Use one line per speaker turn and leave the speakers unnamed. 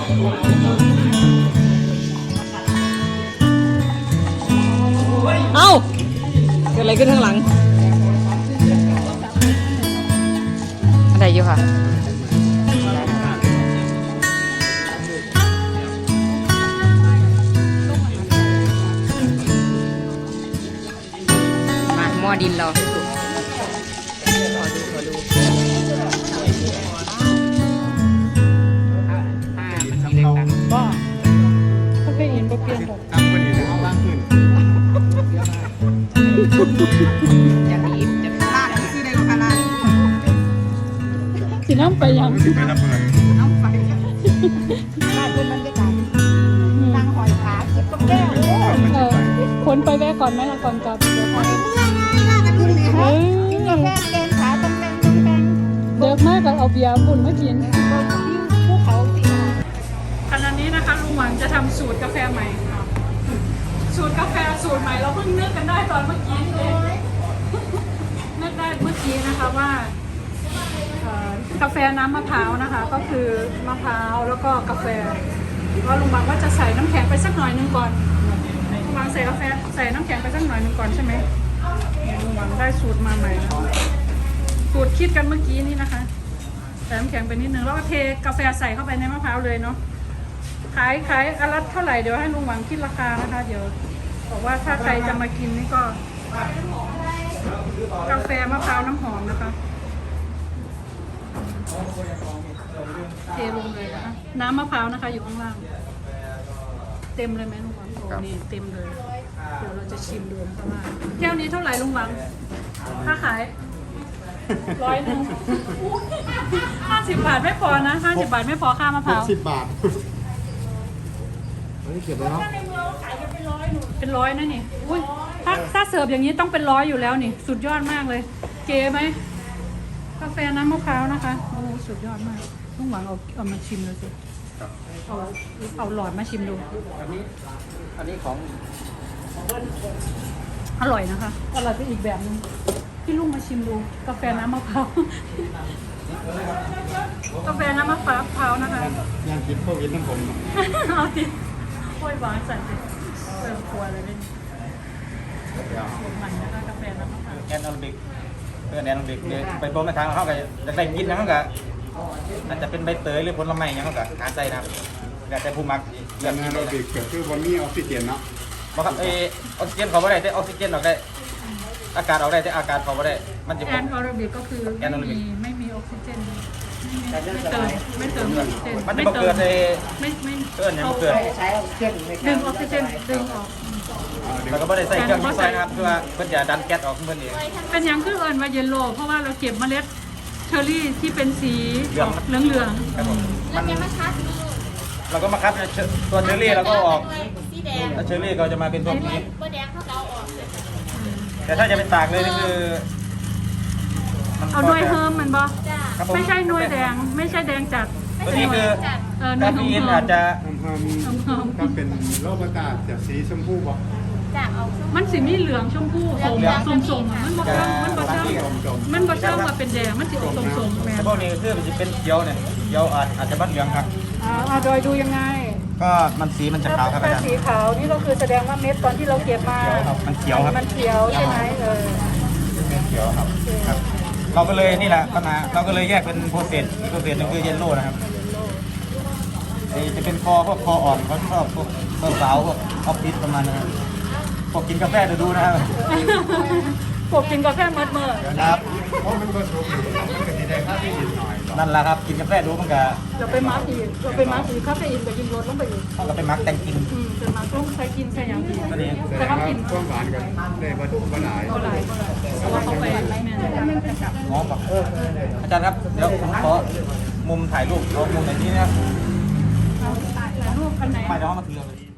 เอ้าเกิดอะไรขึ้นข้างหลังอะไรอยู่ค่ะมาหม้อดินเราให้สุกขอดูมันมีเล็กตังบ้าเขาเคยเห็นบ่เปลี่ยนหรอกตั้งคนอยู่ในห้องล่างขึ้นจะดีจะลาดที่ได้ก็ลาดสิน้ำไปยังน้ำไปลาดบนบรรยากาศนั่งหอยขาเก็บกับแก้วคนไปแวะก่อนไหมล่ะก่อนกลับเดี๋ยวไปลาดกันดูเลยกินกาแฟแกงขาต้มแดงเด็กมากกับเอาเบียร์ปุ่นมากินภูเขาขณะนี้นะคะลุงหวังจะทำสูตรกาแฟใหม่สูตรกาแฟสูตรใหม่เราเพิ่งนึกกันได้ตอนเมื่อกี้เองนึกได้เมื่อกี้นะคะว่ากาแฟน้ำมะพร้าวนะคะก็คือมะพร้าวแล้วก็กาแฟก็ลุงหวังว่าจะใส่น้ำแข็งไปสักหน่อยนึงก่อนลุงหวังใส่กาแฟใส่น้ำแข็งไปสักหน่อยนึงก่อนใช่ไหมลุงหวังได้สูตรมาใหม่สูตรคิดกันเมื่อกี้นี่นะคะใส่น้ำแข็งไปนิดนึงแล้วก็เทกาแฟใส่เข้าไปในมะพร้าวเลยเนาะขายอันละเท่าไหร่เดี๋ยวให้ลุงหวังคิดราคานะคะเดี๋ยวบอกว่าถ้าใครจะมากินนี่ก็กาแฟมะพร้าวน้ำหอมนะคะเทลงเลยนะคะน้ำมะพร้าวนะคะอยู่ข้างล่างเต็มเลยไหมลุงหวังโอ้นี่เต็มเลยเดี๋ยวเราจะชิมดูนะคะว่าแก้วนี้เท่าไหร่ลุงหวังถ้าขาย100 50 บาทไม่พอนะ50 บาทไม่พอค่ามะพร้าว
10 บาทเก็บไว้เนาะ
เป็นร้อยนะนี่อุ้ยถ้าเสิร์ฟอย่างนี้ต้องเป็น100อยู่แล้วนี่สุดยอดมากเลยเก๋ไหมกาแฟน้ำมะพร้าวนะคะโอ้สุดยอดมากลุงหวังเอามาชิมเลยสิเอาหลอดมาชิมดู
อันนี้ของ
อร่อยนะคะอร่อยไปอีกแบบนึงพี่ลุงมาชิมดูกาแฟน้ำมะพร้าวกาแฟน้ำมะพร้าวนะคะ
ยังกินโควิดทั้งผม
เอาดิโอ้ยหวานใส่ดิเติมครัวเลยเป็นสูตรใหม่นะคะกาแฟน้ำมะพร้าว
แอนอลบิกแอนอลบิกไปโปรโมททางเขาก็จะได้กินนะเขาก็อาจจะเป็นใบเตยหรือผลไม้เนี่ยเขาก็หาใจนะอยากจะผู้มัก
แอนอลบิกก็คือวันนี้ออกซิเจนเนาะ
บอกครับออกซิเจนเขาไม่ได้แต่ออกซิเจนออกได้อากาศออกได้แต่อากาศเขาไม่ได้มันจะ
แอนออร์บิกก็คือไม่มีออกซิเจนไม่เติมออกซิเจน
มันจะเกิดใน
ไม่
เกิดเนี่ยมันเกิด
ใช้ออกซิเจนดึงออกซิเจนดึงออก
แล้วก็ไม่ได้ใส่เครื่องช่วยนะครับเพื่อเพื่อจะดันแก๊สออกเพื่อนเอง
เป็นอย่างคือเอิญว่าเยลโล่เพราะว่าเราเก็บเมล็ดเชอร์รี่ที่เป็นสีเหลือง
แล้วเนี่ยมาคัดเราก็มาคัดตัวเชอร์รี่แล้วก็ออกแล้วเชอร์รี่ก็จะมาเป็นพวกนี้แต่ถ้าจะเป็นตากเลยนี่คือ
เอาหน่วยเฮิร์มมันบ่ไม่ใช่หน่วยแดงไม่ใช่แดงจัด
ตัวนี้คือคาเฟอีนอาจจะ
ก็เป็นโรคประกาศจากสีชมพูบ่
มันสีมีเหลืองชมพูส้มมันบ่เชื่อว่าเป็นแดงมันสีส้ม
แต่พวกนี้คือมันจะเป็นเขียวเนี่ยเขียวอาจจะบ้านเหลืองครับ
โดยดูยังไง
ก็มันสีมันจะขาวครับอาจารย์
สีขาวนี่ก็คือแสดงว่าเม็ดตอนที่เราเก็บมา
มันเขียวครับ
มันเขียวใช่ไหม
เขียวครับเราก็เลยนี่แหละปัญหาเราก็เลยแยกเป็นโปรเซสนึงคือเยลโล่นะครับจะเป็นพวกคออ่อนเขาชอบพวกสาวพวกออฟฟิศประมาณนั้นพวกกินกาแฟดูนะครับ
พวกกินกาแฟเมื่อ
ครับ
เพราะมันผสมมันก็จะได้ค่าที่ดินหน่อย
นั่นแหละครับกินกาแฟดูมันก็
เราไปมาร์กอีกคาเฟอีนไปกินรสลงไปอีก
เราไปมาร์กแต่งกิน
เป็นมาร์กต้องใช้กินใช้อย่างดี
แต่ว่ากินความหวานกันได้ก็หลาย
เพราะว่าเขาไป
ง้อแบบอาจารย์ครับเดี๋ยวผมขอมุมถ่ายรูปเอามุมไหนนี้นะครับ
ถ่ายรูปกันไหน
ไปเดี๋ยวมาถือเลย